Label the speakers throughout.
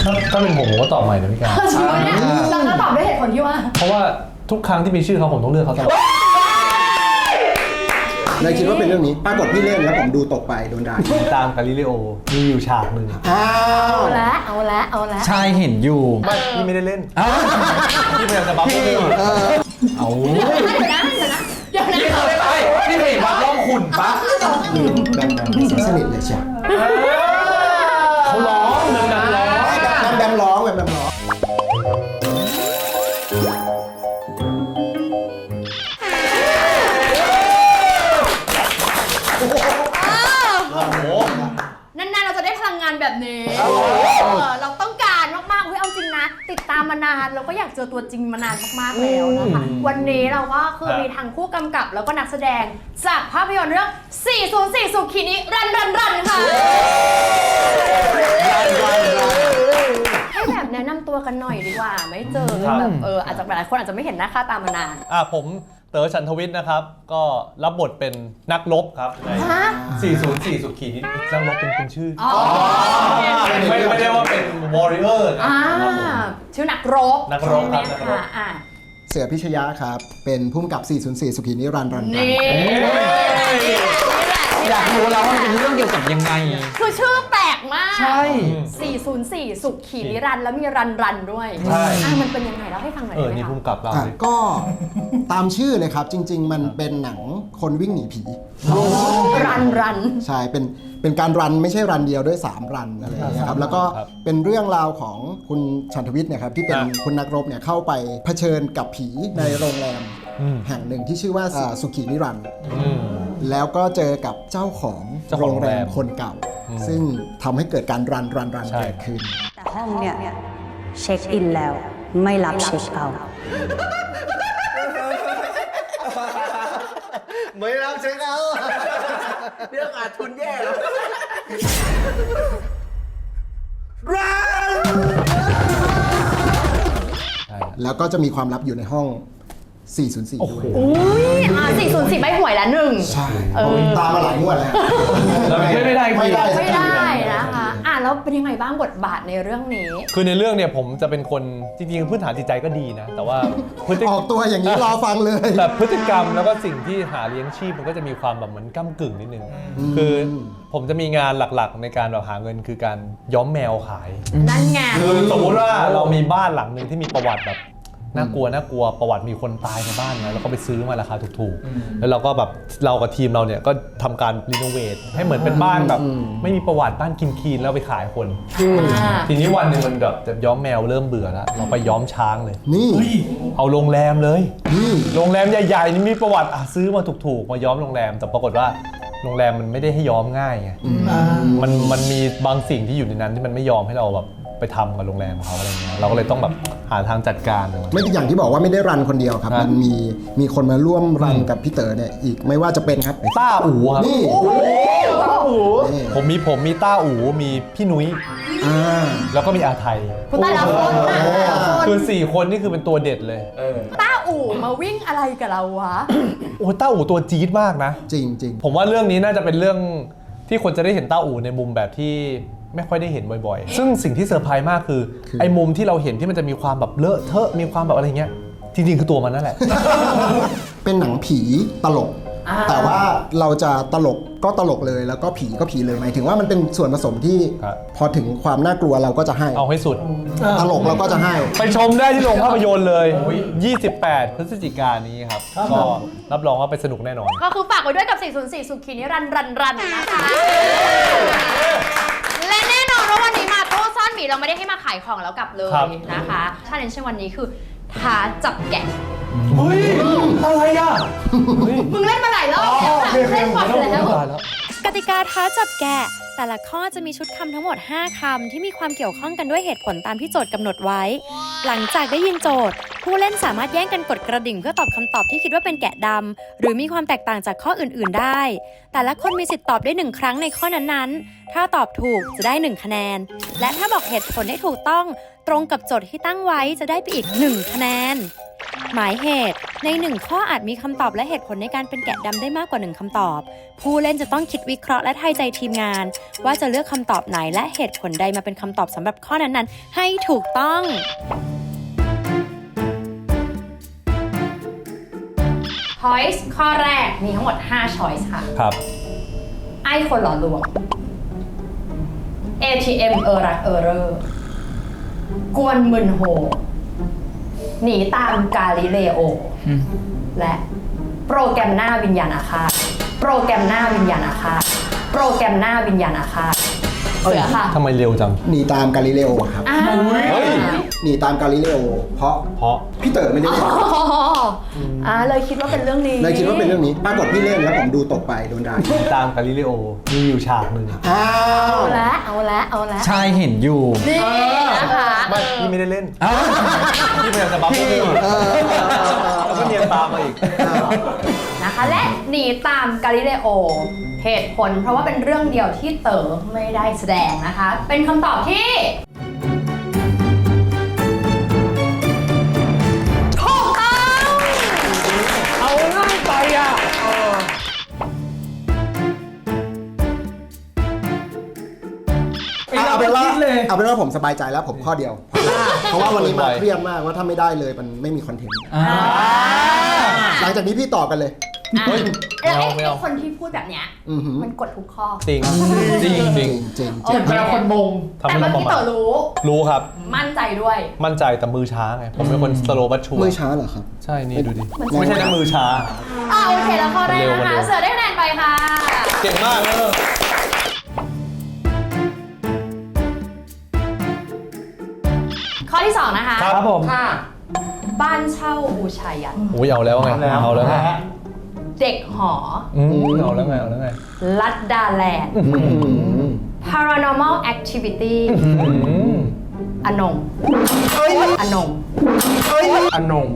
Speaker 1: ถ้าเป็นผมก็ตอบใหม่นะพี่การ
Speaker 2: จริงไหมเนี่ยแล้วตอบด้วยเหตุผลที่ว่า
Speaker 1: เพราะว่าทุกครั้งที่มีชื่อเขาผมต้องเลือกเขาตลอด
Speaker 3: นายคิดว่าเป็นเรื่องนี้ปรากฏพี่เล่นแล้วผมดูตกไปโดนด่า
Speaker 1: ตามกาลิเลโอมีอยู่ฉากหนึ่ง
Speaker 2: เอาละ
Speaker 4: ใช่เห็นอยู่
Speaker 1: ไม่พี่ไม่ได้เล่นพี่พยายามจะบัฟพี่เอา
Speaker 2: เดี๋ยวนะ
Speaker 4: พี่เคยเห็นวัดร่องขุ่นปะ
Speaker 3: แบมสนิทเลยใช่
Speaker 1: เขาร้องแบมร้อง
Speaker 3: แบมร้องแบมร้อง
Speaker 2: นานๆเราจะได้พลังงานแบบนี้เราต้องการมากๆเอาจริงนะติดตามมานานเราก็อยากเจอตัวจริงมานานมากๆแล้วนะคะวันนี้เราก็คือมีทั้งผู้กำกับแล้วก็นักแสดงจากภาพยนตร์เรื่อง 404 สุขีนิรันดร์ค่ะให้แบบแนะนำตัวกันหน่อยดีกว่าไม่เจอแบบอาจจะหลายคนอาจจะไม่เห็นหน้าค่าตามานาน
Speaker 1: ผมเต๋อฉันทวิทย์นะครับก็รับบทเป็นนักรบครับใน404 สุขีนินักรบเป็นชื่อไม่ได้ว่าเป็นวอริเออร์นะ
Speaker 2: ชื่อนักรบ
Speaker 1: ครับ
Speaker 3: เสือพิชยะครับเป็นผู้กำกับ 404 สุขีนิรันดร์
Speaker 4: อยากรู้แล้วว่ามันเป็นเรื่องเกี่ยวกับยังไง
Speaker 2: คือชื่อแปลกมาก
Speaker 4: ใช่
Speaker 2: 404 สุขีนิรันดร์แล้วมีรันด้วย
Speaker 1: ใช่
Speaker 2: มันเป็นยังไงแล้วให้ฟังหน่อยได้ไหมคะ
Speaker 1: นี่ผู้กำกับเรา
Speaker 3: ก็ตามชื่อเลยครับจริงๆมันเป็นหนังคนวิ่งหนีผี
Speaker 2: รัน
Speaker 3: ใช่เป็นการรันไม่ใช่รันเดียวด้วย3รันอะไรอย่างเงี้ยครับแล้วก็เป็นเรื่องราวของคุณฉันทวิทย์เนี่ยครับที่เป็นคุณนักรบเนี่ยเข้าไปเผชิญกับผีในโรงแรมแห่งหนึ่งที่ชื่อว่าสุขีนิรันดร์แล้วก็เจอกับเจ้าของโรงแรมคนเก่าซึ่งทำให้เกิดการรันเกิดขึ้น
Speaker 5: แต่ห้องเนี่ยเช็คอินแล้วไม่รับเช็คเอาท์
Speaker 3: ไม่รับเช็คเอาท์เรื่องขาดทุนแย่แล้วแล้วก็จะมีความลับอยู่ในห้อง404ด้วย
Speaker 2: 404ใบหวยละ1
Speaker 3: ใช่ตามมาหลายงวดแล้ว
Speaker 1: ไม่
Speaker 2: ได้นะคะแล้วเป็นยังไงบ้างบทบาทในเรื่องนี้
Speaker 1: คือในเรื่องเนี่ยผมจะเป็นคนจริงๆพื้นฐานจิตใจก็ดีนะแต่ว่า
Speaker 3: ออกตัวอย่างนี้รอฟังเลย
Speaker 1: แต่พฤติกรรมแล้วก็สิ่งที่หาเลี้ยงชีพมันก็จะมีความแบบเหมือนก้ำกึ่งนิดนึงคือผมจะมีงานหลักๆในการแบบหาเงินคือการย้อมแมวขาย
Speaker 2: นั่นไง
Speaker 1: คือสมมติว่าเรามีบ้านหลังนึงที่มีประวัติแบบน่ากลัวประวัติมีคนตายในบ้านนะแล้วก็ไปซื้อมาราคาถูกๆแล้วเราก็แบบเรากับทีมเราเนี่ยก็ทำการรีโนเวทให้เหมือนเป็นบ้านแบบไม่มีประวัติบ้านคีนๆแล้วไปขายคนทีนี้วันหนึ่งมันแบบจะย้อมแมวเริ่มเบื่อแล้วเราไปย้อมช้างเลย
Speaker 3: นี่
Speaker 1: เอาโรงแรมเลยโรงแรมใหญ่ๆนี่มีประวัติซื้อมาถูกๆมาย้อมโรงแรมแต่ปรากฏว่าโรงแรมมันไม่ได้ให้ย้อมง่ายไงมันมีบางสิ่งที่อยู่ในนั้นที่มันไม่ยอมให้เราแบบไปทำกับโรงแรมเขาอะไรเงี้ยเราก็เลยต้องแบบหาทางจัดการ
Speaker 3: ไม่อย่างที่บอกว่าไม่ได้รันคนเดียวครับมันมีคนมาร่วมรันกับพี่เต๋อเนี่ยอีกไม่ว่าจะเป็นครับ
Speaker 1: ต้าอู๋ครับ
Speaker 3: นี่
Speaker 1: ผมมีต้าอู๋มีพี่นุ้ยแล้วก็มีอาไทย
Speaker 2: คุณต้า
Speaker 1: คือ4คนนี่คือเป็นตัวเด็ดเลย
Speaker 2: ต้าอู๋มาวิ่งอะไรกับเราวะ
Speaker 1: ต้าอู๋ตัวจี๊ดมากนะ
Speaker 3: จริง
Speaker 1: ผมว่าเรื่องนี้น่าจะเป็นเรื่องที่คนจะได้เห็นต้าอู๋ในมุมแบบที่ไม่ค่อยได้เห็นบ่อยๆซึ่งสิ่งที่เซอร์ไพรส์มากคือไอ้มุมที่เราเห็นที่มันจะมีความแบบเลอะเทอะมีความแบบอะไรเงี้ยจริงๆคือตัวมันนั่นแหละ
Speaker 3: เป็นหนังผีตลกแต่ว่าเราจะตลกก็ตลกเลยแล้วก็ผีก็ผีเลยหมายถึงว่ามันเป็นส่วนผสมที่พอถึงความน่ากลัวเราก็จะให้
Speaker 1: เอาให้สุด
Speaker 3: ตลกเราก็จะให้
Speaker 1: ไปชมได้ที่โรงภาพยนตร์เลย28 พฤศจิกายนนี้ครับก็รับรองว่าไปสนุกแน่นอน
Speaker 2: ก็คือฝากไว้ด้วยกับ404 สุขีนิรันดร์นะคะและแน่นอนว่าวันนี้มาโต้ซ่อนหมีเราไม่ได้ให้มาขายของแล้วกลับเลยนะคะชาเลนจ์วันนี้คือท้าจับแกะ
Speaker 1: อะไรอ่ะ
Speaker 2: มึงเล่นมาหลายรอบแล้วเล่นบ่อยแล้ว
Speaker 6: กติกาท้าจับแกะแต่ละข้อจะมีชุดคำทั้งหมด5คำที่มีความเกี่ยวข้องกันด้วยเหตุผลตามที่โจทย์กำหนดไว้หลังจากได้ยินโจทย์ผู้เล่นสามารถแย่งกันกดกระดิ่งเพื่อตอบคำตอบที่คิดว่าเป็นแกะดำหรือมีความแตกต่างจากข้ออื่นๆได้แต่ละคนมีสิทธิ์ตอบได้1ครั้งในข้อนั้นๆถ้าตอบถูกจะได้1คะแนนและถ้าบอกเหตุผลได้ถูกต้องตรงกับโจทย์ที่ตั้งไว้จะได้ไปอีก1คะแนนหมายเหตุใน1ข้ออาจมีคำตอบและเหตุผลในการเป็นแกะดำได้มากกว่า1คำตอบผู้เล่นจะต้องคิดวิเคราะห์และทายใจทีมงานว่าจะเลือกคำตอบไหนและเหตุผลใดมาเป็นคำตอบสำหรับข้อนั้นๆให้ถูกต้อง
Speaker 2: Choice ข้อแรกมีทั้งหมด5 Choice ค่ะ
Speaker 1: ครับ
Speaker 2: ไอ้คนหล่อลวง ATM รักเรกวนมึนโฮ หนีตามกาลิเลโอ และโปรแกรมหน้าวิญญาณอาฆาตโปรแกรมหน้าวิญญาณอาฆาตโปรแกรมหน้าวิญญาณอาฆาตเสือค่ะ
Speaker 1: ทำไมเร็วจัง
Speaker 3: หนีตามกาลิเลโอครับ
Speaker 2: อ้าว
Speaker 1: เฮ้ย
Speaker 3: หนีตามกาลิเลโอเพราะ
Speaker 1: เพราะ
Speaker 3: พี่เต๋อไม่ได้เล่น
Speaker 2: เลยคิดว่าเป็นเรื่องนี้
Speaker 3: เลยคิดว่าเป็นเรื่องนี้ปรากฏพี่เล่นแล้วผมดูตกไปโดนด่า
Speaker 1: ตามกาลิเลโอมีอยู่ฉากหนึ่ง
Speaker 3: อ้าว
Speaker 2: เอาละ
Speaker 4: ชายเห็นอยู่
Speaker 2: นี่นะคะ
Speaker 1: ไม่พี่ไม่ได้เล่นพี่พยายามจะบัฟพวกพี่แล้วก็เนียนตามมาอีก
Speaker 2: นะคะและหนีตามกาลิเลโอเหตุผลเพราะว่าเป็นเรื่องเดียวที่เต๋อไม่ได้แสดงนะคะ เป็นคำตอบที่ถูกต้อง
Speaker 1: เอาง่ายไปอ่ะ
Speaker 3: เอาเป็นว่าผมสบายใจแล้วผมข้อเดียว เพราะว่าวันนี้มาเครียดมากว่าถ้าไม่ได้เลยมันไม่มีคอนเทนต์หลังจากนี้พี่ต่อกันเลย
Speaker 1: เฮ้ย
Speaker 2: แล้วไอ้
Speaker 1: ไม่เอา
Speaker 2: คนที่พูดแบบเนี้ย
Speaker 3: อือหือ
Speaker 2: มันกดทุกข้อ
Speaker 1: จริงจริงจริง
Speaker 3: จริง
Speaker 2: โอเค
Speaker 4: คนมง
Speaker 1: ทำ
Speaker 2: แต่
Speaker 1: ให้
Speaker 2: เมื่อ
Speaker 1: เราประ
Speaker 2: กี้
Speaker 1: มา
Speaker 2: เต๋
Speaker 1: ท
Speaker 2: อรู้
Speaker 1: รู้ครับ
Speaker 2: มั่นใจด้วย
Speaker 1: มั่นใจแต่มือช้าไง ผมเป็นคนสโลว์บัตชัว
Speaker 3: มือช้าเหรอครับ
Speaker 1: ใช่ นี่ดูดิ ไม่ใช่นะมือช้า
Speaker 2: โอเคแล้วข้อแรก
Speaker 1: เร็ว
Speaker 2: นะคะ
Speaker 1: เร็ว
Speaker 2: เสือได้คะแนนไปค่ะ
Speaker 1: เก่งมากเลย
Speaker 2: ข้อที่ 2 นะคะ
Speaker 1: ครับผม
Speaker 4: ค่ะ
Speaker 2: บ้านเช่าบูชายัน
Speaker 1: โอ้ยเอาแล้วไง เอาแล้วไง
Speaker 2: เด็กหอ
Speaker 1: เอาแล้วไง เอาแล้วไง
Speaker 2: ลัดดาแลนด์ paranormal activity อนงอนง
Speaker 4: อนง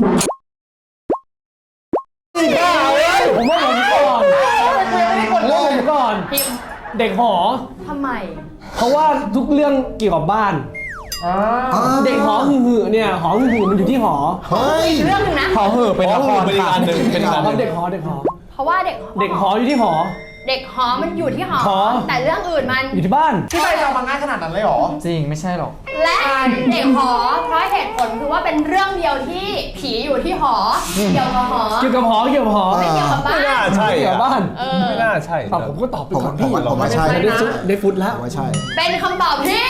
Speaker 7: ผมว่าผมก่อนผมก่อน
Speaker 2: พิมพ์
Speaker 7: เด็กหอ
Speaker 2: ทำไม
Speaker 7: เพราะว่าทุกเรื่องเกี่ยวกับบ้าน เด็กหอหือเนี่ยหอหือมันอยู่ที่หอ
Speaker 3: เฮ้ย
Speaker 2: อีกเรื่องหนึ่งนะ
Speaker 4: ขอเหอะเป็นละคร
Speaker 1: เป็นอีกอันหนึ่งเป็นอีกอันห
Speaker 7: ครั
Speaker 1: นึ่
Speaker 7: บ
Speaker 1: ง
Speaker 7: เด็กหอเด็กหอ
Speaker 2: เพราะว่าเด็ก
Speaker 7: เด็กหออยู่ที่หอ
Speaker 2: เด็กหอมันอยู่ที่หอ
Speaker 7: หอ
Speaker 2: แต่เรื่องอื่นมัน
Speaker 7: อยู่ที่บ้าน
Speaker 4: พี่ใบจะมาง่ายขนาดนั้นเลยเหรอ จริงไม่ใช่หรอก
Speaker 2: และเด็กหอ เพราะเหตุผลคือว่าเป็นเรื่องเดียวที่ผีอยู่ที่หอ เกี่ยวกับหอ
Speaker 7: เกี่ยวกับหอเกี่ยวกับหอ
Speaker 2: ไม่เกี่ยวกับบ้า
Speaker 1: ไม่น่าน ใช่
Speaker 7: เกี่ยวกับบ้าน
Speaker 1: ไม่น่าใช่
Speaker 7: ตอบผมก็ตอบไปก่อนพี่
Speaker 3: ผมว่าใช่
Speaker 7: ได้ฟุตแล้ว
Speaker 3: ผมว่าใช่
Speaker 2: เป็นคำตอบที่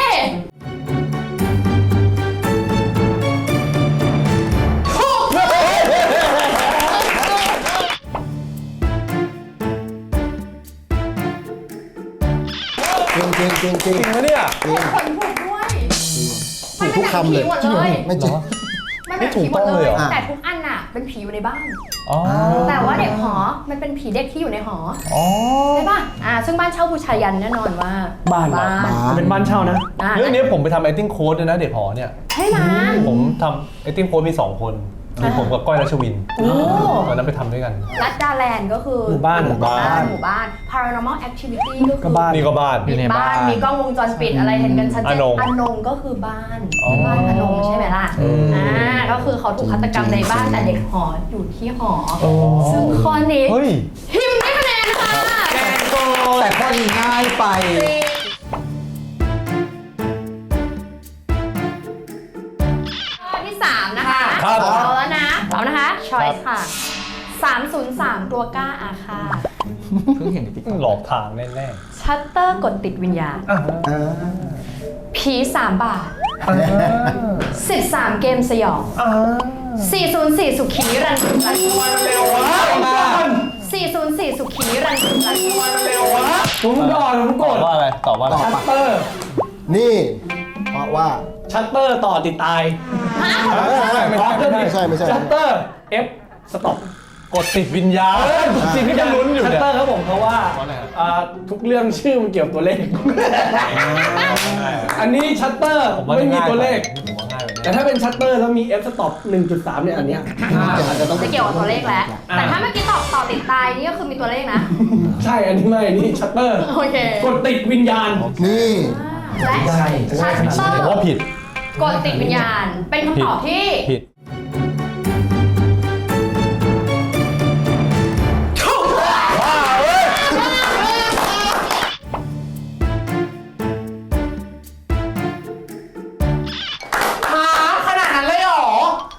Speaker 3: จริงจริงจริงจริง
Speaker 1: จริงไหมเนี่ย
Speaker 2: ทุกคนถูกด้วย
Speaker 3: ถูกทุกคำเลย
Speaker 2: มันเป็นหนังผีหมดเลย
Speaker 3: ไม่จริง
Speaker 2: มันเป็นผีหมดเลย
Speaker 1: ไม่ถูกต้องเลยเหรอ
Speaker 2: แต่ทุกอันน่ะเป็นผีอยู่ในบ้าน
Speaker 1: อ๋อ
Speaker 2: แต่ว่าเด็กหอ มันเป็นผีเด็กที่อยู่ในหอ
Speaker 1: อ๋อ
Speaker 2: ใช่ป่ะ ซึ่งบ้านเช่าบูชายันแน่นอนว่า
Speaker 7: บ้านเหรอ เป็นบ้านเช่านะ
Speaker 1: เรื่องนี้ผมไปทำ acting coach ด้วยนะเด็กหอเนี่ย
Speaker 2: ใช่นะ
Speaker 1: ผมทำ acting coach มี 2 คนมีผมกับก้อยรัชวิน
Speaker 2: โอ้
Speaker 1: ตอนนั้นไปทำด้วยกัน
Speaker 2: รัดดาแลนด์ก็คือ
Speaker 7: หมู่บ้าน
Speaker 2: หมู่บ้าน paranormal activity ก็
Speaker 7: ก็
Speaker 2: คือ
Speaker 7: บ้าน
Speaker 1: นี่ก็บ้าน
Speaker 4: อยู่ในบ้าน
Speaker 2: มีกล้องวงจรปิดอะไรเห็นกันชัดเจน
Speaker 1: อนง
Speaker 2: อนงก็คือบ้าน
Speaker 1: อ๋อ
Speaker 2: บ้านอนงใช่ไหมล่ะ ก็คือเขาถูกฆาตกรรมในบ้านแต่เด็กหออยู่ที่หอ ซึ่งข้อนี้
Speaker 1: เฮ้ย
Speaker 2: พิมพ์ได้คะแนนค่ะ
Speaker 4: แต่ข้อนี้ง่ายไป
Speaker 2: ข้อที่ 3 นะคะ
Speaker 1: ครับ
Speaker 2: เอาแล้วนะพร้อมนะคะ choice ค่ะ 303 ตัวกล้าอาฆาต
Speaker 4: เพิ่งเห็นในติ๊กต็อก
Speaker 1: หลอกทางแน่
Speaker 2: ชัตเตอร์กดติดวิญญาณ ผี3 บาท 13 เกมสยอง 404 สุขีรันทุรัน404 สุขีรันทุรัน
Speaker 7: ผมก่อนผม
Speaker 1: ๆ
Speaker 7: ก
Speaker 1: ตอบ
Speaker 7: ด
Speaker 1: ว่าอะไร ตอบว่าอะไร
Speaker 7: ชัตเตอร์
Speaker 3: นี่ เพราะว่า
Speaker 7: ชัตเตอร์ต่อติดตาย
Speaker 1: ไม่ใช่
Speaker 3: ไม่ใช่
Speaker 7: ชัตเตอร์ F สต็อป
Speaker 1: กดติดวิญญาณ
Speaker 7: สิ่งที่จะลุ้นอยู่
Speaker 1: เนี่
Speaker 7: ชั
Speaker 1: ย
Speaker 7: ตเตอร์ครับผมเพราะว่า
Speaker 1: เพราะอะไรครับ
Speaker 7: ทุกเรื่องชื่อมันเกี่ยวกับตัวเลข อันนี้ชัตเตอร์
Speaker 1: ผมว่า
Speaker 7: ไม่มี
Speaker 1: ง่าย
Speaker 7: ตัวเลข
Speaker 1: ผมว่าง่ายไป
Speaker 7: แต่ถ้าเป็นชัตเตอร์แล้วมี F สต็อป 1.3 เนี่ยอันเนี้ยอาจจะต้อง
Speaker 2: จะเกี่ยวกับตัวเลขแล้ว แต่ถ้าเมื่อกี้ตอบต่อติดตายนี่ก็คือมีตัวเลขนะ
Speaker 7: ใช่อันนี้ไม่อันนี้ชัตเตอร์
Speaker 2: โอเค
Speaker 7: กดติดวิญญาณ
Speaker 3: นี่
Speaker 2: และชัตเตอ
Speaker 1: ผม
Speaker 2: ร์
Speaker 1: ว่าผิด
Speaker 2: กดติดวิญญาณ เป็นคำตอบที่
Speaker 1: ผิด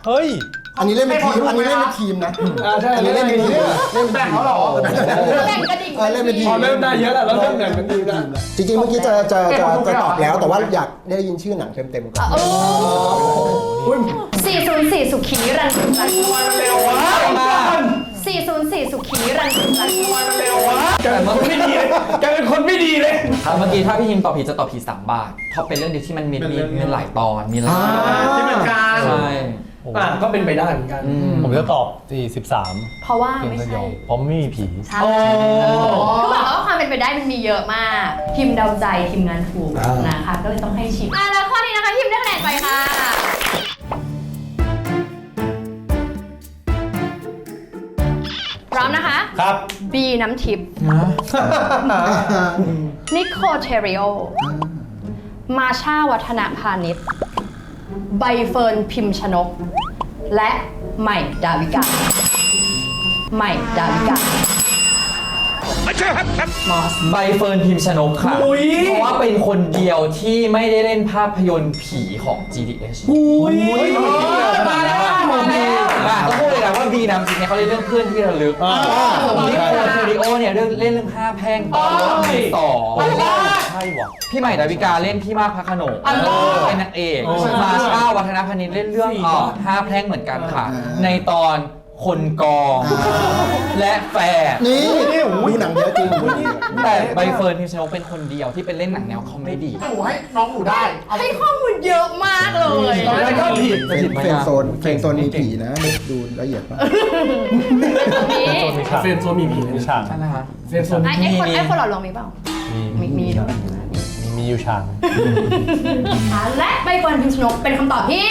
Speaker 1: เฮ้ย
Speaker 3: อันนี้เล่นเป็นทีมอันนี้เล่นเป็นทีมนะ
Speaker 7: ใช่
Speaker 3: อันนี้เล่นเป็นทีมเล่น
Speaker 4: แบ่งเขาเหรอ
Speaker 2: แบ่งกระดิ่ง
Speaker 3: เล่นเป็นที
Speaker 7: พอ
Speaker 3: ม
Speaker 7: เริ่มได้เยอะแล้วเราเริ่มแบ่งเป็นทีมแล้ว
Speaker 3: จริงๆเมื่อกี้จะตอบแล้วแต่ว่าอยากได้ยินชื่อหนังเต็มๆก่อน
Speaker 2: โอ้404 สุขีรันสุรัน
Speaker 4: เร็ววะ
Speaker 2: 404 สุขีรันสุรัน
Speaker 7: แกเป็นคนไม่ดีเลยแกเป็นคนไม่ดีเลย
Speaker 4: เมื่อกี้ถ้าพี่ฮิมตอบผิดจะตอบผิด3 บาทเพราะเป็นเรื่องเดียวที่มันมีหลายตอนมีหลาย
Speaker 7: ที่เหมือนกัน
Speaker 4: ใช่
Speaker 7: ก็เป็นไปได้เหมือนกัน
Speaker 1: ผมจะตอบ43
Speaker 2: เพราะว่า
Speaker 1: เพียง
Speaker 2: ไม่
Speaker 1: เดีย
Speaker 2: ใช่
Speaker 1: วเพราะไม่มีผี
Speaker 2: ใช่คือบอกว่าความเป็นไปได้มันมีเยอะมากทีมเดาใจทีมงานถูกนะคะก็เลยต้องให้ชิมแล้วข้อนี้นะคะทีมได้คะแนนไปค่ะพร้อมนะคะ
Speaker 1: ครับ
Speaker 2: บีน้ำทิพย์นิโคเทริโอมาชาวัฒนพาณิชย์ใบเฟิร์นพิมพ์ชนก และใหม่ดาวิกาใหม่ดาวิกามอส
Speaker 4: ใบเฟิร์นพิมพ์ชนกค่ะ เพราะว่าเป็นคนเดียวที่ไม่ได้เล่นภาพยนตร์ผีของ GDH มาแล้วต้องพูดเลยนะว่าบีนำจริงเนี่ยเขาเล่นเรื่องเพื่อนที่ระลึกนิโคลเทริโอเนี่ยเล่นเรื่องผ้าแพร่งตอนรถมือสอง
Speaker 1: ใช่ว่ะ
Speaker 4: พี่ใหม่ดาวิกาเล่นพี่มากพระโขนงเป็นนางเอกมาช่าวัฒนพนิชเล่นเรื่องห้าแพร่งเหมือนกันค่ะ ในตอนคนกองและแฝด
Speaker 3: นี่ดูหนังเยอะจริง
Speaker 4: แต่ใบเฟิร์นพิมพ์ชนกเป็นคนเดียวที่เป็นเล่นหนังแนวคอมเมดี้
Speaker 2: ให้ข้อมูลเยอะมากเลย
Speaker 7: แล้วก็ผิด
Speaker 3: เฟรนโซนมีผีนะดูละเอียดมาก
Speaker 1: โซนมีฉาก
Speaker 7: เฟรนโซนมีผี
Speaker 1: มีฉาก
Speaker 4: ใช่ไหมคะ
Speaker 7: เฟรนโซน
Speaker 2: ไอ้คนหล่อลองมีเปล่า มีด้วย
Speaker 1: มีอยู่ฉาก
Speaker 2: และใบเฟิร์นพิมพ์ชนกเป็นคำตอบที่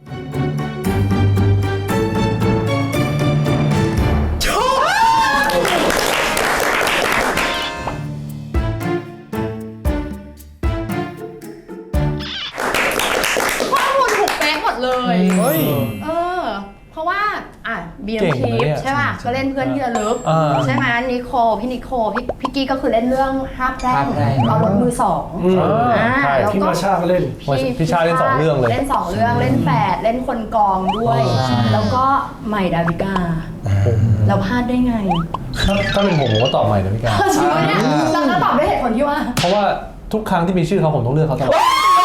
Speaker 2: ข้อมูลถูกเป๊ะหมดเลย
Speaker 1: เฮ้ย
Speaker 2: เพราะว่าบี
Speaker 1: เก่
Speaker 2: น้ำ
Speaker 1: ง
Speaker 2: ทิ
Speaker 1: นะ
Speaker 2: พ
Speaker 1: เนี่ย
Speaker 2: ย์ใช่ป่ะ ก็เล่นเพื่อนที่ระลึก
Speaker 1: อ่า
Speaker 2: ใช่ไหมนิโคพี่นิโคพี่กี้ก็คือเล่นเรื่องห้าแพร่งเอารถมือสอง
Speaker 1: ใช่
Speaker 2: แล้ว
Speaker 7: ที่
Speaker 2: ก็
Speaker 7: มาชาก็เล่น
Speaker 1: พี่ชาเล่น2 เรื่องเลย
Speaker 2: เล่น2 เรื่องเล่นแฝดเล่นคนกองด้วย แล้วก็ใหม่ดาวิกาเราพลาดได้ไง
Speaker 1: ถ้าเป็นผมก็ตอบใหม่นะพี่กา
Speaker 2: จริงไหมเนี่ยเราก็ตอบด้วยเหตุผลที่ว่า
Speaker 1: เพราะว่าทุกครั้งที่มีชื่อเขาผมต้องเลือกเขาตลอด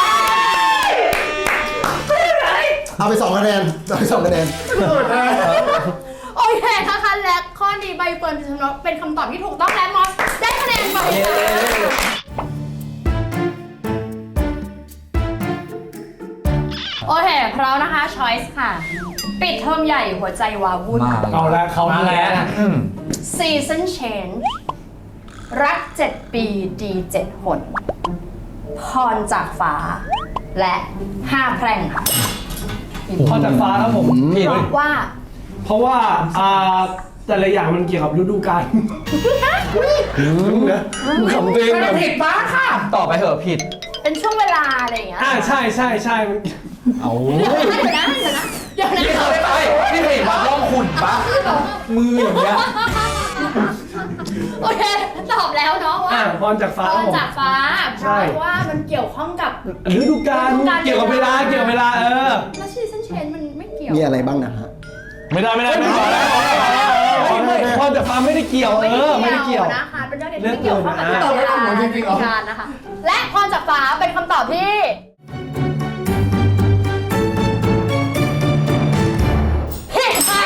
Speaker 3: เอาไป2 คะแนนเอาไป2 คะแนน
Speaker 2: โอเคนะคะและข้อนี้ใบเฟิร์นพิมพ์ชนกเป็นคำตอบที่ถูกต้องและมอสได้คะแนนไปค่ะโอเคพร้อมนะคะ choice ค่ะ ปิดเทอมใหญ่หัวใจวาวุ่น
Speaker 7: เอาละเขาแล้ว
Speaker 2: season change รัก 7 ปีดี7 หนพรจากฟ้า และ5 แพร่งค่ะ
Speaker 7: พอจากฟ้าครับผม
Speaker 4: ผิด
Speaker 2: เพราะว่า
Speaker 7: แต่ละอย่างมันเกี่ยวกับฤดูกาลนะขำตัวเองแบบ
Speaker 4: ผิดบ้าค่ะตอบไปเถอะผิด
Speaker 2: เป็นช่วงเวลาอะไรอย่างเงี้ย
Speaker 7: ใช่มัน
Speaker 4: เอา
Speaker 2: เดี๋ยวนะ
Speaker 4: พี่เคยไปพี่เคยเห็นวัดร่องขุ่นปะมืออย่างเงี้ย
Speaker 2: โอเคตอบแล้วเนาะว่า
Speaker 7: พรจากฟ้า
Speaker 2: พ
Speaker 7: ครับ
Speaker 2: ร
Speaker 7: ผม
Speaker 2: จากฟ้าเพ
Speaker 7: ใช่
Speaker 2: ราะว่ามันเกี่ยวข้องกับ
Speaker 7: ฤดูกาลเกี่ยวกับเวลา
Speaker 2: แล้ว season change มันไม่เกี่ยว
Speaker 3: มีอะไรบ้างนะฮะ
Speaker 1: ไม่ได้
Speaker 7: พรจากฟ้าไม่ได้เกี่ยวไม่ได้เกี่ยว
Speaker 2: นะคะเป็นเรื่องที่ไม่เกี่ยวข้องกับเวลาการนะคะและพรจากฟ้าเป็นคำตอบที่ผิดค่ะ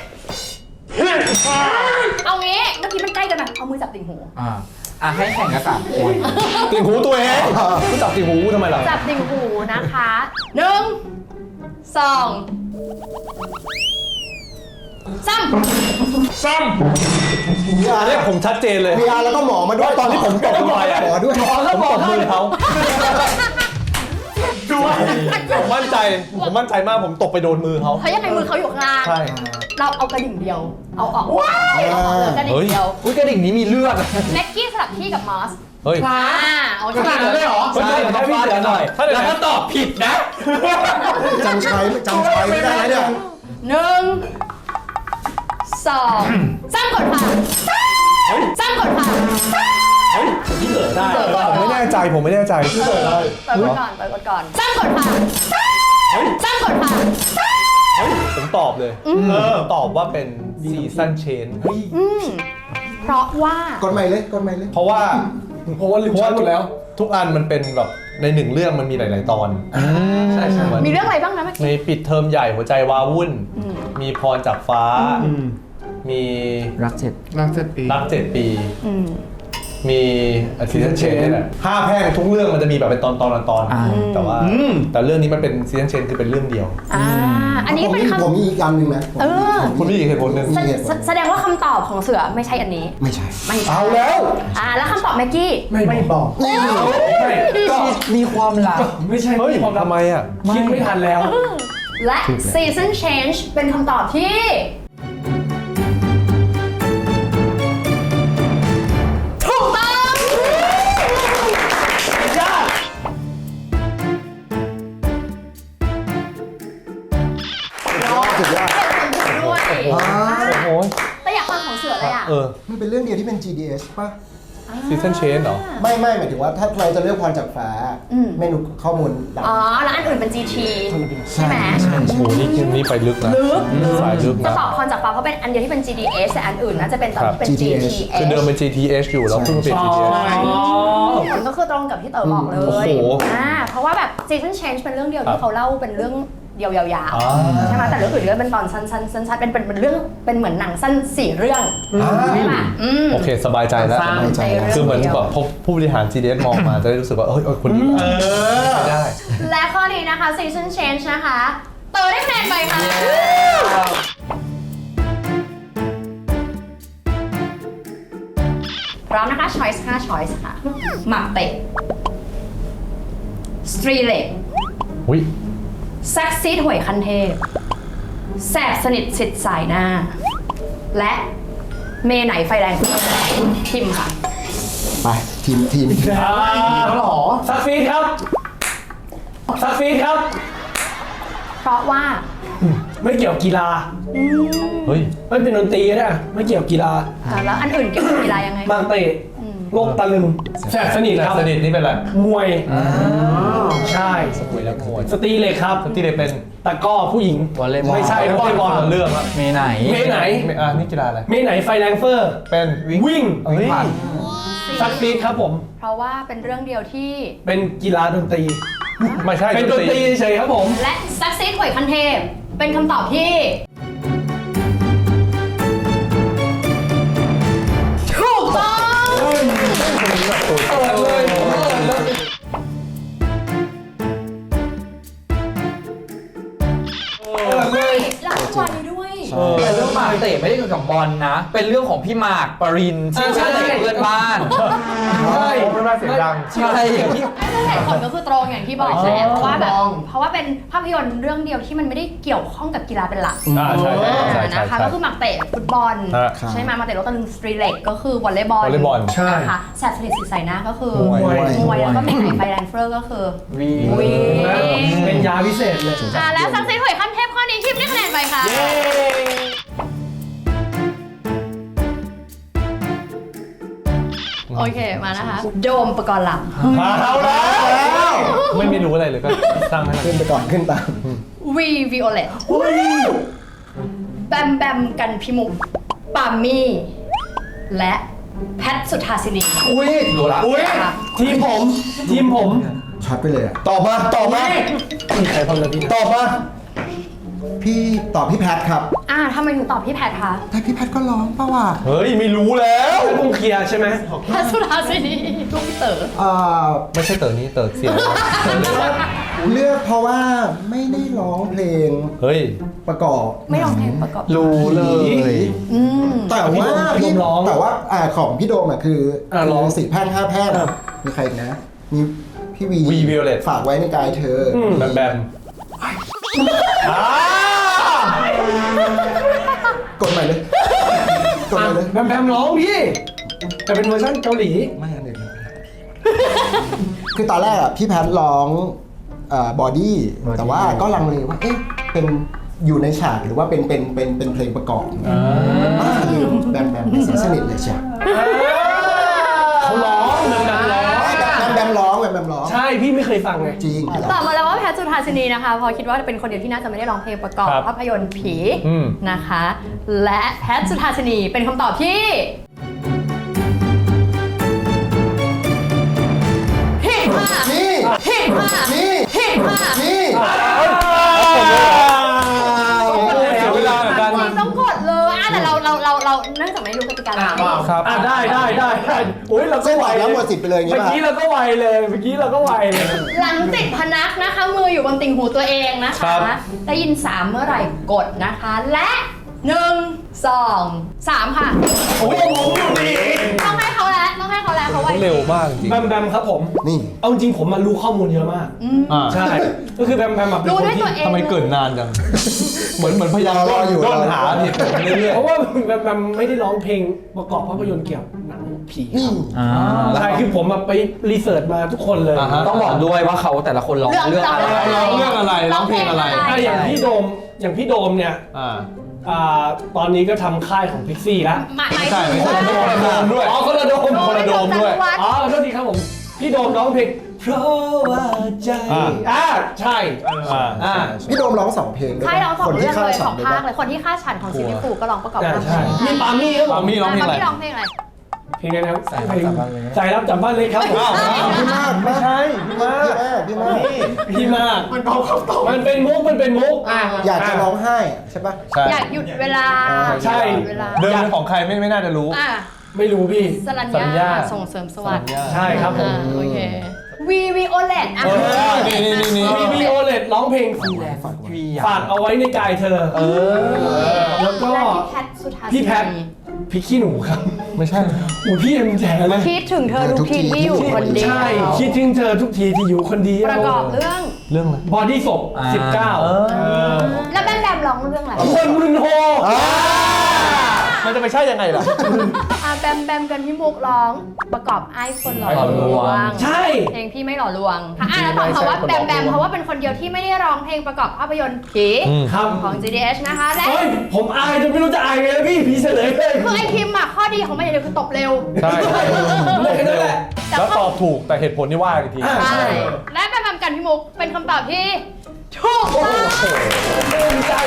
Speaker 2: เอางี้เมื่อกี้มันใกล้กันไหมเอามือจับติ่งหู
Speaker 4: ให้แข่งกัน3 คน
Speaker 1: ติ่งหูตัวเองกูจับติ่งหูกูทำไมล่ะ
Speaker 2: จับติ่งหูนะคะ1 2
Speaker 1: เนี่ยผมชัดเจนเลย
Speaker 3: VR แล้วก็หมอมาด้วย
Speaker 1: ตอนที่ผมตกลงไปอะ
Speaker 3: หมอด้วย
Speaker 1: ผมตบมือเขาผมมั่นใจมากผมตกไปโดนมือเขา
Speaker 2: เพราะยังไงมือเขาอยู่ข้างล่าง
Speaker 1: ใช่
Speaker 2: เราเอากระดิ่งเดียว เอาออกเอาออกเลยกระดิ่งเดียว
Speaker 4: อุ้ยกระดิ่งนี้มีเลือด
Speaker 2: แม็กกี้สลับที่กับมอส
Speaker 1: เฮ้ย
Speaker 2: โอเค
Speaker 4: ขนาดนั้นเลยเหรอ
Speaker 1: ใช่ผมฟาดหน่อย
Speaker 4: แล้วถ้าตอบผิดนะ
Speaker 3: จำใช้ไม่ได้แล้วเนี่ย
Speaker 2: 1 2 3กดค่ะ3กดค่ะ
Speaker 1: พี่เกิดได้
Speaker 2: ผมไม่แน่ใจ
Speaker 1: ผมไม่แน่ใจพี่เกิดได้
Speaker 2: เปิดกดก่อน3กดค่ะ3กดค่ะ
Speaker 1: ผมเลยตอบว่าเป็นซีซันเชน
Speaker 2: เพราะว่า
Speaker 3: กดใหม่เลยกดใหม่เลย
Speaker 1: เพราะว่า
Speaker 7: ลืมช้อยหมดแล้ว
Speaker 1: ทุกอันมันเป็นแบบในหนึ่งเรื่องมันมีหลาย ๆ ตอนใช่เหมือน
Speaker 2: มีเรื่องอะไรบ้างนะเมื่อ
Speaker 1: ใน
Speaker 2: กี้
Speaker 1: ปิดเทอมใหญ่หัวใจวาวุ่น มีพรจากฟ้า มี
Speaker 4: รักเจ็ด
Speaker 1: รัก7 ปี
Speaker 2: อืม
Speaker 1: มีซีซันเชนนี่แหละ5 แพร่งทุกเรื่องมันจะมีแบบเป็นตอนแต่ว่าแต่เรื่องนี้มันเป็นซีซันเชนคือเป็นเรื่องเดียว
Speaker 2: อันนี้เป็น
Speaker 3: ผม
Speaker 2: คำ
Speaker 3: มีอีกอันหนึ่งนะ
Speaker 1: คุณมีอีกเหตุผลหนึ่ง
Speaker 2: แสดงว่าคำตอบของเสือไม่ใช่อันนี้
Speaker 3: ไม่ใช่
Speaker 2: ไม่ใช่
Speaker 1: เอาแล้ว
Speaker 2: แล้วคำตอบแม็กกี้
Speaker 7: ไม่บอก
Speaker 4: ก็มีความหลัก
Speaker 7: ไม่ใช่
Speaker 1: เฮ้ย
Speaker 7: ความลับ
Speaker 1: ทำไมอ่ะ
Speaker 7: คิดไม่ทันแล้ว
Speaker 2: และ season change เป็นคำตอบที่ ถูกต้อง
Speaker 3: สุดยอด
Speaker 2: ด้วย
Speaker 1: โอ้โห
Speaker 2: แต่อยากฟังของเสือเลยอ่ะ
Speaker 3: มันเป็นเรื่องเดียวที่เป็น GDS ป่ะ
Speaker 1: ซีซันเชนเหรอ
Speaker 3: ไม่หมายถึงว่าถ้าเราจะเลือกพรจากฟ้าเมนูข้อมูลดัง
Speaker 2: แล้วอันอื่นเป็น GT ใช่ไหม
Speaker 1: โอ้โหนี่เกมนี้ไปลึกนะสายลึก
Speaker 2: จะ
Speaker 1: นะ
Speaker 2: ตอบพรจากฟ้าเพราะเป็นอันเดียวที่เป็น GDS แต่อันอื่นน่าจะเป็นตอนที่เป็น
Speaker 3: GTH
Speaker 2: GTH
Speaker 1: คือเดิมเป็น GTH อยู่แล้วเพิ่งมาเป็น GTH
Speaker 2: มันก็คือตรงกับที่เต๋อบอกเลย
Speaker 1: โอ้โห
Speaker 2: เพราะว่าแบบ season change เป็นเรื่องเดียวที่เขาเล่าเป็นเรื่องเดียวยาวๆใช่ไหมแต่เรื่องอื่นก็เป็นตอนสั้นๆเป็นเรื่องเป็นเหมือนหนังสั้น4 เรื่องใช่ไหม
Speaker 1: โอเคสบายใจแล้ว
Speaker 3: สบายใจแล้ว
Speaker 1: คือเหมือนแบบพบผู้บริหาร GDS มองมาจะได้รู้สึกว่าเอ้ยคนนี้ไม่ได้
Speaker 2: และข้อนี้นะคะ season change นะคะเต๋อได้คะแนนไปค่ะพร้อมนะคะ choice 5 choice ค่ะหมักเป็ดสตรีเล็ก
Speaker 1: อุ้ย
Speaker 2: แซ็กซี่ถวยคันเทพแสบสนิทสิทธิ์สายหน้า และเมไหนไฟแรงพิมพ์ค่ะ
Speaker 3: ไปทีม
Speaker 7: แล้วหรอซักฟีดครับซักฟีดครับ
Speaker 2: เพราะว่า
Speaker 7: ไม่เกี่ยวกีฬา
Speaker 1: เฮ้ย
Speaker 7: ไม่เป็นดนตรีก็ได้ไม่เกี่ยวกีฬา
Speaker 2: แล้วอันอื่นเกี่ยวกับกีฬายังไง
Speaker 7: บางเตะโลกตะลึงแสบสนิทครับ
Speaker 1: สนิทนี่เป็นอะไร
Speaker 7: มวยใช่
Speaker 1: มวยแล้วมวย
Speaker 7: สตรีเหล็กครับ
Speaker 1: ที่เด็เป็น
Speaker 7: ตะกร้อผู้หญิง
Speaker 4: วอลเลย์บอล
Speaker 7: ไม่ใช่วอลเลย์บอล
Speaker 1: เรื่องอะ
Speaker 4: เมไหน
Speaker 7: เมไหน
Speaker 1: นี่กีฬาอะไร
Speaker 7: เมไหนไฟแรงเฟอร์
Speaker 1: เป็นวิ่ง
Speaker 7: วิ่ง
Speaker 1: เฮ้ย
Speaker 7: ซักฟีดครับผม
Speaker 2: เพราะว่าเป็นเรื่องเดียวที่
Speaker 7: เป็นกีฬาดนตรี
Speaker 1: ไม่ใช่
Speaker 7: เป็นดนตรีเฉยๆครับผม
Speaker 2: และแซ็กซี่ถวยคันเทพเป็นคำตอบที่ถูกต้องไม่แล้วทุกวันนี้ด้วย
Speaker 4: แต่เรื่องหมากเตะไม่ได้เกี่ยวกับบอลนะ เป็นเรื่องของพี่หมากปรินที่ชอบเตะกับเพื่อนบ้าน
Speaker 7: ใช่
Speaker 1: ไม่มาเสียงดัง
Speaker 4: ใช่อย่างที่
Speaker 2: เหตุผลก็คือตรงอย่างที่บอกแหละเพราะว่าแบบเพราะว่าเป็นภาพยนตร์เรื่องเดียวที่มันไม่ได้เกี่ยวข้องกับกีฬาเป็นหลัก
Speaker 1: ใช่
Speaker 2: นะคะก็คือหมักเตะฟุตบอลใช่ไหมหมักเตะรถตะลึงสตรีเล็กก็คือวอลเลย์บอล
Speaker 1: วอลเลย์บอล
Speaker 2: นะคะแสบสนิทสิใส่หน้าก็คือ
Speaker 3: มวย
Speaker 2: แล้วก็เมนไหนไฟแรงเฟอร์ก็คือ
Speaker 4: วี
Speaker 7: เป็นยาพิเศษเลย
Speaker 2: แล้วสักเซสหวยขั้นเทพข้อนี้ทีมได้คะแนนไปค่ะโอเคมานะคะโดมประกรณ์ลำ
Speaker 1: เอาแล้วไม่รู้อะไรเลยก็สร้างให้มัน
Speaker 3: ขึ้นไปก่อนขึ้นตาม
Speaker 2: วีวิโอเลตแบมแบมกันพิมุกปามี่ และแพทสุธาสินี
Speaker 4: อุ้ยรู้ละ
Speaker 2: ค่ะ
Speaker 7: ทีมผม
Speaker 3: ช็อตไปเลยอะ
Speaker 1: ตอบมา
Speaker 7: มีใครพลเลยพี่
Speaker 1: ตอบมา
Speaker 3: พี่ตอบพี่แพทครับ
Speaker 2: ทำไมถึงตอบพี่แพทคะ
Speaker 3: แต่พี่แพทก็ร้องป่าวะ
Speaker 1: เฮ้ยไม่รู้แล้ว
Speaker 7: คงเคลียร์ใช่ไหม
Speaker 2: แพทสุธาสินีลูกพี่เต๋อ
Speaker 1: ไม่ใช่เต๋อนี้เต๋อเสียง
Speaker 3: เลือกเพราะว่าไม่ได้ร้องเพลง
Speaker 1: เฮ้ย
Speaker 3: ประกอบ
Speaker 2: ไม่ร้องเพลงประกอบ
Speaker 4: รู้เลย
Speaker 3: แต่ว่าของพี่โดมอะคือร้อง4 แพร่ง 5 แพร่งมีใครอีกนะ มีพี่วี
Speaker 1: วีวิโอเลต
Speaker 3: ฝากไว้ในกายเธอ
Speaker 1: แบมแบม
Speaker 3: กดใหม่เลยกดใหม่เลย
Speaker 7: แบมร้องพี่แต่เป็นเวอร์ชันเกาหลี
Speaker 3: ไม่อันเดียวคือตอนแรกอะพี่แพทร้องบอดี้แต่ว่าก็ลังเลว่าเอ๊ะเป็นอยู่ในฉากหรือว่าเป็นเพลงประกอบลืมแบมเสียงสนิทเลยใช่
Speaker 7: เขาร้องแบมร้อง
Speaker 3: แบมร้องแบมแบมร้อง
Speaker 7: ใช่พี่ไม่เคยฟังไง
Speaker 3: จริง
Speaker 2: ตอบมาแล้วว่าแพทย์สุธาสินีนะคะพอคิดว่าเป็นคนเดียวที่น่าจะไม่ได้ร้องเพลงประกอบ
Speaker 1: ครับ
Speaker 2: ภาพยนตร์ผี
Speaker 1: อืม
Speaker 2: นะคะ และแพทย์สุธาสินีเป็นคำตอบที่ผิดค่ะ
Speaker 3: นี่
Speaker 2: ผิดค่ะ
Speaker 3: นี่
Speaker 2: ผิดค่ะ
Speaker 3: นี่
Speaker 1: เสียเวลาเหมือนกัน
Speaker 2: จริงต้องกดเลยแต่เราเนื่องจากไม่รู้กติกาแล้ว
Speaker 1: ครับ
Speaker 7: ได้โอ้ยเราก็
Speaker 3: เส้น
Speaker 7: ไว
Speaker 3: ไหวแล้วหมดสิทธิ์ไปเลยอย่าง
Speaker 7: เมื่
Speaker 3: งี้
Speaker 7: อ
Speaker 3: ป่ะ
Speaker 7: กี้เราก็ไวเลยเมื่อกี้เราก็ไวเลย
Speaker 2: หลังจิตพนักนะคะ มืออยู่บนติ่งหูตัวเองนะ
Speaker 1: ครั
Speaker 2: คะ
Speaker 1: บ
Speaker 2: ได้ยิน 3 เมื่อไหร่กดนะคะ และ 1 2 3 ค่ะ
Speaker 7: โอ้ยผมอยู่ดี
Speaker 2: ต้องให้เขาแล้วเขาไว
Speaker 1: เร็วมากจริง
Speaker 7: แบมครับผม
Speaker 3: นี่
Speaker 7: เอาจริงผมมารู้ข้อมูลเยอะมาก
Speaker 1: อ่า
Speaker 7: ใช่ ก็คือแบมแบบเป็น
Speaker 2: รู้
Speaker 7: คน
Speaker 2: ด้วย
Speaker 7: ที่
Speaker 2: ตัวเอง
Speaker 1: ทำไมเกิดนานจัง เหมือนพยายาม
Speaker 3: รออยู่
Speaker 1: ร่อนหาผิดไปเรื่อย
Speaker 7: เพราะว่าแบมไม่ได้ร้องเพลงประกอบภาพยนตร์เกี่ยวกับหนังผีค
Speaker 3: นี่
Speaker 7: รับใช่คือผมมาไปรีเสิร์ชมาทุกคนเลย
Speaker 1: อ่าฮะ
Speaker 4: ต้องบอกด้วยว่าเขาแต่ละคนร้องเรื่องอะไร
Speaker 1: เรื่องอะไรร้องเพลงอะไร
Speaker 7: อย่างพี่โดมเนี่ย
Speaker 1: อ่า
Speaker 7: ตอนนี้ก็ทำค่ายของพิกซี่แล้ว
Speaker 2: หมาย
Speaker 1: ไม่ใช่
Speaker 2: ถึง
Speaker 1: ไม่ใช่
Speaker 2: ว่า
Speaker 1: คนละโดมด้วย
Speaker 7: อ๋อคนละโดม
Speaker 1: คนละโดมด้วย
Speaker 7: อ๋อโทษทีครับผม พี่โดมร้องเพลงเพราะว่าใจ ใช่
Speaker 3: พี่โดมร้อง2 เพลงด้วย
Speaker 2: ใช่เราสอง
Speaker 3: คน
Speaker 2: เรื่
Speaker 3: ที่
Speaker 2: อง
Speaker 3: ฆ่า
Speaker 2: เลย
Speaker 3: ฉั
Speaker 2: ส
Speaker 3: น
Speaker 2: อง
Speaker 3: ด้วย
Speaker 2: ภาค
Speaker 3: ปะ
Speaker 2: เลยคนที่ฆ่าฉันของซิลิฟูก็ร้องประกอบภาพย
Speaker 7: ใช่
Speaker 2: นตร์
Speaker 7: มีปามี่ครับผม
Speaker 1: ปามี่ร้องเพลงอะไร
Speaker 2: พี่ร้องเพลงอะไร
Speaker 7: เพลงอะไรครับใจรับจับบ้านเลยครับผม
Speaker 3: พี่มาก
Speaker 7: ไม่ใช่พี่มาก
Speaker 3: พี่มาก
Speaker 7: มันเป็นมุก
Speaker 3: อยากจะร้องไห้ใช่ปะ
Speaker 1: ใช่
Speaker 2: อยากหยุดเวลา
Speaker 7: ใช่
Speaker 2: เวลา
Speaker 1: เดิมของใครไม่น่าจะรู้
Speaker 2: อ่ะ
Speaker 7: ไม่รู้พี่
Speaker 2: สรัญ
Speaker 1: สัญ
Speaker 2: ญา
Speaker 1: ญา
Speaker 2: ส่งเสริมสวัสดิ์
Speaker 7: ใช่ครับผม
Speaker 2: โอเควีโอเลตอ่ะ
Speaker 1: นี่
Speaker 7: มีโอเลตร้องเพลงฝากเอาไว้ในกายเธอแล้วก็
Speaker 2: และพี่แพทสุธา
Speaker 7: พี่แพท พี่ขี้หนูครับ
Speaker 1: ไม่ใช่
Speaker 7: โอ้พี่เอ็มแจ๋เลย
Speaker 2: คิดถึงเธอทุกทีที่อยู่คนเดียว
Speaker 7: ใช่คิดถึงเธอทุกทีที่อยู่คนเดียว
Speaker 2: ประกอบเรื่อง
Speaker 1: เรื่องอะไร
Speaker 7: บอดี้ศพ19
Speaker 2: แล้วแบมแบมร้องเรื่องอะไร
Speaker 7: คนมึนโฮ
Speaker 1: มันจะไปใช่ยังไงล่ะ
Speaker 2: แบมแบมกันพี่มุกร้องประกอบไอ้คนหล่อลวง
Speaker 7: ใช่
Speaker 2: เพลงพี่ไม่หล่อลวงแล้วตอบคำว่าแบมแบมเพราะว่าเป็นคนเดียวที่ไม่ได้ร้องเพลงประกอบภาพยนตร์ผี
Speaker 7: ครับ
Speaker 2: ของ GDH นะคะและ
Speaker 7: โอ้ยผมอายจนไม่รู้จะอายไงแล้วพี่เฉลยเลย
Speaker 2: คือไอคิมอะข้อดีของมันอย่างเดียวคือตบเร็ว
Speaker 1: ใช่
Speaker 7: เลยแค่นั้นแหละ
Speaker 1: แล้วตอบถูกแต่เหตุผลที่ว่าอีกที
Speaker 2: ใช่และแบมแบมกันพี่มุกเป็นคำตอบที่ถูกต้อง
Speaker 7: ภูมิใจ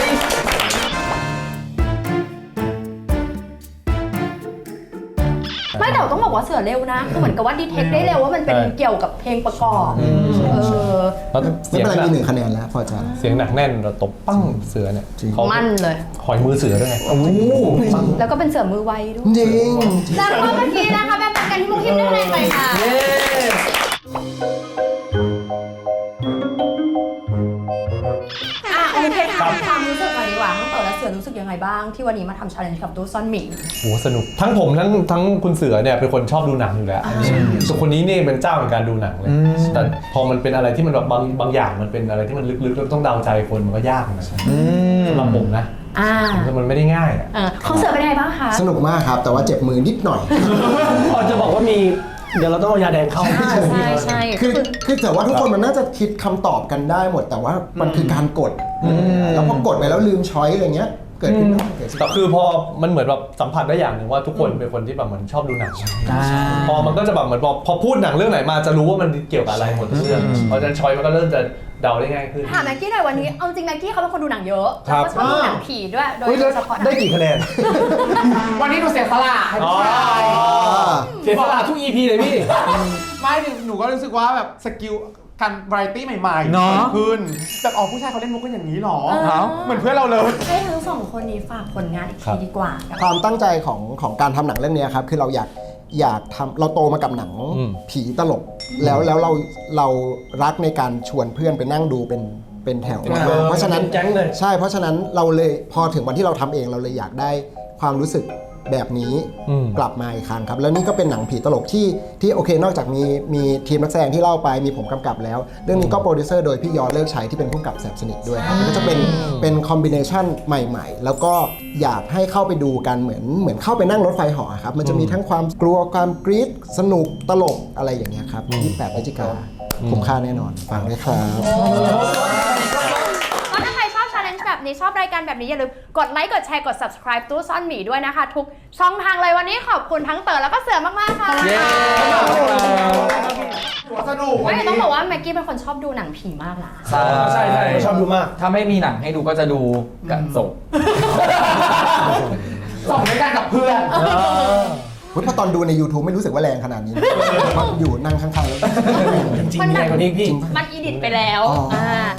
Speaker 2: ไม่แต่ต้องบอกว่าเสือเร็วนะคือเหมือนกับว่าดีเทคได้เร็วว่ามันเป็นเกี่ยวกับเพลงประกอบ
Speaker 1: แล้ว
Speaker 3: ไม่
Speaker 1: เสียง
Speaker 3: เป็นไร
Speaker 1: หนัก
Speaker 3: มี1 คะแนนแล้วพอใจ
Speaker 1: เสียงหนักแน่นเราตบปั้งเสือเนี่ยเขา
Speaker 2: มั่นเลย
Speaker 1: หอยมือเสือด้วยไงโอ้โห
Speaker 2: แล้วก็เป็นเสือมือไวด้วย
Speaker 3: จริง
Speaker 2: จากข้อเมื่อกี้นะคะแบมแบมกันพี่มุกคิมได้คะแนนไปค่ะโอเคถามความรู้สึกหน่อยดีกว่าทั้งเต๋อและเสือรู้สึกยังไงบ้างที่วันนี้มาทำ challenge กับตู้ซ่อนหมิง
Speaker 1: โหสนุกทั้งผมทั้งคุณเสือเนี่ยเป็นคนชอบดูหนังอยู่แล้วส่วนคนนี้เนี่ยเป็นเจ้าในการดูหนังเลยแต่พอมันเป็นอะไรที่มันแบบบางอย่างมันเป็นอะไรที่มันลึกๆแล้วต้องเดาใจคนมันก็ยากนะสำหรับผมนะมันไม่ได้ง่ายอ่ะ
Speaker 2: ของเสือเป็นยังไงบ้างคะ
Speaker 3: สนุกมากครับ แต่ว่าเจ็บมือนิดหน่อย
Speaker 7: พอจะบอกว่ามีเดี๋ยวเราต้องเอายาแดงเข้า
Speaker 2: ใช่
Speaker 3: คือแต่ว่าทุกคนมันน่าจะคิดคำตอบกันได้หมด แต่ว่ามันคือการกด แล้วพอกดไปแล้วลืมช้อยอะไรเงี้ย เกิดขึ้นได้เกิดขึ้น
Speaker 1: แต่คือพอมันเหมือนแบบสัมผัสได้อย่างหนึ่งว่าทุกคนเป็นคนที่แบบเหมือนชอบดูหนังพอมันก็จะแบบเหมือนพอพูดหนังเรื่องไหนมาจะรู้ว่ามันเกี่ยวกับอะไรหมดทุกเรื่องเพราะฉะนั้นช้อยมันก็เริ่มจะเดาได้ง่ายขึ้น
Speaker 2: ถามแม็กกี้หน่อยวันนี้เอาจริงแม็กกี้เขาเป็นคนดูหนังเยอะ
Speaker 1: ครั
Speaker 2: แล้ว
Speaker 1: บ
Speaker 2: ก็ชอบดูหนังผีด้วยโดยเฉพาะหนัง
Speaker 1: ได้กี่คะแนน
Speaker 8: วันนี้หนูเสียสละให้พี่ชาย
Speaker 7: เสียสละทุก EP เลยพี่
Speaker 8: ไม่หนูก็รู้สึกว่าแบบสกิลการวาไรตี้ใหม่ๆ
Speaker 4: เนอะ
Speaker 8: เกิดขึ้นแบบอ๋อผู้ชายเขาเล่นมุกกันอย่างนี้หรอ เหมือนเพื่อนเราเลย
Speaker 2: ให้ทั้งสองคนนี้ฝากผลงานอีกทีดีกว่า
Speaker 3: ความตั้งใจของการทำหนังเรื่องนี้ครับคือเราอยากทำเราโตมากับหนังผีตลก แล้วเรารักในการชวนเพื่อนไปนั่งดูเป็นแถวมากเพราะฉะนั้น
Speaker 7: แก๊งเลย
Speaker 3: ใช่เพราะฉะนั้นเราเลยพอถึงวันที่เราทำเองเราเลยอยากได้ความรู้สึกแบบนี้กลับมาอีกครั้งครับแล้วนี่ก็เป็นหนังผีตลกที่โอเคนอกจากมีทีมนักแสดงที่เล่าไปมีผมกำกับแล้ว เรื่องนี้ก็โปรดิวเซอร์โดยพี่ยอดเลิกชัยที่เป็นผู้กำกับแสบสนิทด้วยครับมันก็จะเป็นคอมบิเนชันใหม่ๆ แล้วก็อยากให้เข้าไปดูกันเหมือนเข้าไปนั่งรถไฟเหาะครับมันจะมีทั้งความกลัวความกรี๊ดสนุกตลกอะไรอย่างเงี้ยครับ28 พฤศจิกายนคุ้มค่าแน่นอนฟังด้วยครับ
Speaker 2: ก็ถ้าใครชอบ challenge แบบแบบนี้ชอบรายการแบบนี้อย่าลืมกดไลค์กดแชร์กด subscribe ตู้ซ่อนหมีด้วยนะคะ ทุกช่องทางเลยวันนี้ขอบคุณทั้งเต๋อแล้วก็เสือมากๆค่ะ
Speaker 4: เย้
Speaker 8: หัวสนุก
Speaker 2: ไม่ต้องบอกว่าแม็กกี้เป็นคนชอบดูหนังผีมากนะ
Speaker 7: ใช่ชอบดูมาก
Speaker 4: ถ้าไม่มีหนังให้ดูก็จะดูกันศพ
Speaker 8: ส่งด้วยกันกับเพื่อน
Speaker 3: พอตอนดูใน YouTube ไม่รู้สึกว่าแรงขนาดนี้นะอยู่นั่งข้างๆแล้ว
Speaker 7: จริงๆใหญ่กว่านี้พี่
Speaker 2: มันอีดิทไปแล้ว
Speaker 3: อ๋ออ่
Speaker 2: า